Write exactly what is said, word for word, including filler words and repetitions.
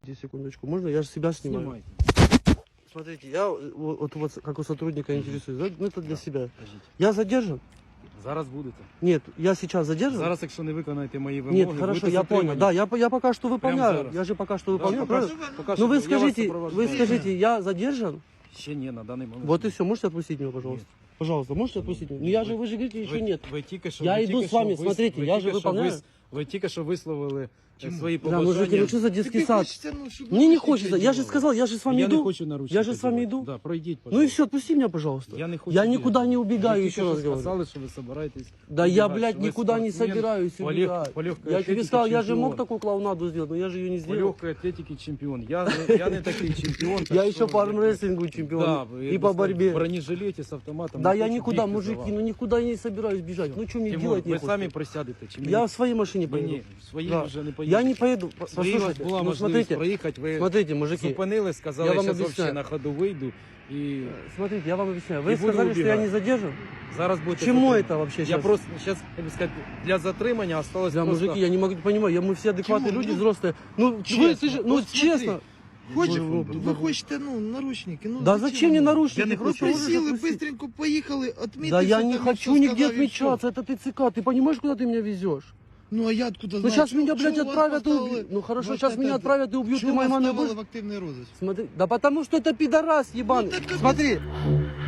Секундочку, можно? Я же себя снимаю. Снимайте. Смотрите, я вот, вот, вот как у сотрудника интересуюсь, да? Ну это для Да, себя. Кажіть. Я задержан? Зараз будете. Нет, я сейчас задержан? Зараз, якщо не виконаєте мої вимоги, Нет, хорошо, будете я понял. затримані. Да, я, по- я пока что выполняю. зараз. Я же пока что Да, выполняю, пока правильно? що- поки Ну що вы я вас скажите, вы супроводжаю. скажите, я задержан? Ще ні, на даний момент. Вот и ні. все, можете отпустить меня, пожалуйста? Пожалуйста, можете отпустить меня? Ну я же, вы же говорите, еще Ви- нет. Ви тільки що, Я ви йду тільки з вами, що вис- смотрите, ви я же тільки що выполняю. вис- Ви тільки що висловили е, свої Да, мужики, ну побажання. что за детский Тебе сад? хочется, ну, чтобы Мне не наручники хочется, я же одевали. сказал, я же с вами Я иду. не хочу наручники Я же с вами одягати. иду. Да, пройдіть, Ну и пожалуйста. все, отпусти меня, пожалуйста. Я не хочу Я бігати. никуда не Ви убегаю, тільки еще що раз говорю. сказали, що ви собираєтесь Да я, убігати, блядь, що ви никуда не спортсмен собираюсь по лег- убегать. по легкой Я тебе атлетике сказал, я же мог чемпион. такую клоунаду сделать, но я же ее не По сделал. легкой атлетике чемпион. Я, не- я не такий чемпіон. так Я що еще по ви- армрестлингу чемпион. Да, вы И по просто борьбе. В бронежилете с автоматом. Да не я хочу никуда, бігти за мужики, вами. ну никуда не собираюсь бежать. Ну что мне Тимур, делать ви нехуй? самі присядете чи ні? Я в своей машине Ні, поеду. ні, в своїй Да. вже не поїдете. Я не поеду. По- Свої у вас Послушайте, була ну можливість смотрите, проїхати, ви смотрите, мужики. зупинили, сказали, я я вам зараз об'ясняю. взагалі на ходу вийду. І Смотрите, я вам объясняю. И Вы буду сказали, что я убегать. не задержан? зараз будете Чему затримані. это вообще Я сейчас? просто, зараз, як би сказати, для затримання осталось Да, просто... мужики, я не могу понимать, я, мы все адекватные Тимур, люди, ну, взрослые. Ну, вы, честно, ты же, ну, вот смотри. честно. Хочешь, Ну, вы ну, хочете, ну, наручники. Ну, Да зачем мне вам? наручники? Я не Просто просто можешь присели, отпустить. быстренько поехали, отметили. Да я не хочу нигде отмечаться, это ты ЦК. Ты понимаешь, куда ты меня везешь? Ну, а я откуда Ну, знаю? сейчас Чё- меня, чё блядь, вас отправят и поставили убьют. Ну, хорошо, вот сейчас это- меня отправят и убьют, чё ты вас моей мамой поставили будешь? в активный розыск? Смотри, да потому что это пидорас ебаный. Ну, так это- Смотри,